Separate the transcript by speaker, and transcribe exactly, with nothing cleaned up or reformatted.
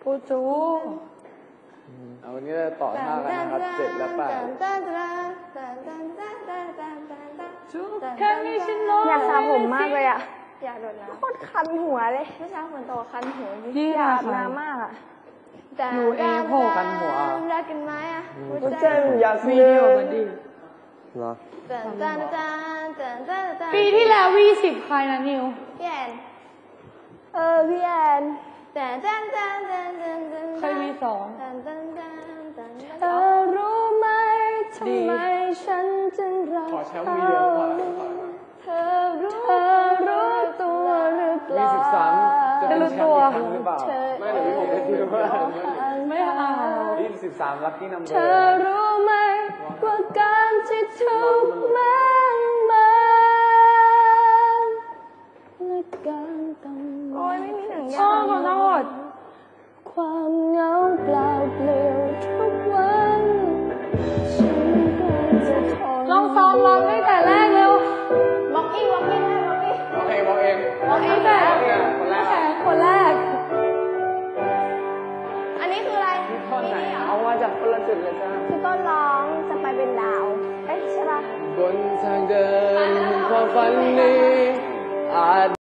Speaker 1: ปูจู
Speaker 2: เอาวันนี้เราต่อท่ากันนะครับเจ็ดและแปด
Speaker 3: อยากสระผมมากเลยอ่ะอยากโดดน้ำโคตรคันหัวเลยเมื่อเช้าฝนตกคันหัวอยากน้ำมากอ่ะ
Speaker 1: อยู่เอโห
Speaker 2: กันหัว
Speaker 3: รักกันไหมอ่ะ
Speaker 1: เจออยากวีดีโอกันดิ
Speaker 2: เหรอ
Speaker 1: ปีที่แล้ววีสิบใครนะนิว
Speaker 3: พี่แอนเออพี่แอน
Speaker 1: เคยวีสอง
Speaker 3: เธอรู้ไหมทำไมฉันจึงรักเขาเธอรู้เธอรู้ตัวหรือเปล่า
Speaker 2: วีสิบสามจะเป็นแชมป์อีกครั้งหรือเปล่าไม่หรือผมไม่คิดว่า
Speaker 1: ไม่เอา
Speaker 2: วีสิบสามลัคกี้นัมเบอร์
Speaker 3: เธอรู้ไหมว่าการที่ทุกข์มากมายและการต้องโอ้ยไม่มีหนังยาง
Speaker 1: ขอโทษ
Speaker 3: ความเหงาเปล่าเปลี่ยวทุกวันฉันก็จะทน
Speaker 1: ลองซ้อมร้องตั้งแต่แรกเร็ว
Speaker 3: บ็อกกิ้งบ็อกกิ้งบ็อกกิ้ง
Speaker 2: บอกเองบอกเอง
Speaker 1: บอกเองแต่คนแรกคนแรก
Speaker 3: อันนี้คืออะไร
Speaker 2: ท่อนไหนเอามาจากคนละจุดเลยจ้า
Speaker 3: คือต้นร้องจะไปเป็นดาวเอ๊ะใช่ปะ
Speaker 2: บนทางเดินความฝันนี้อาจ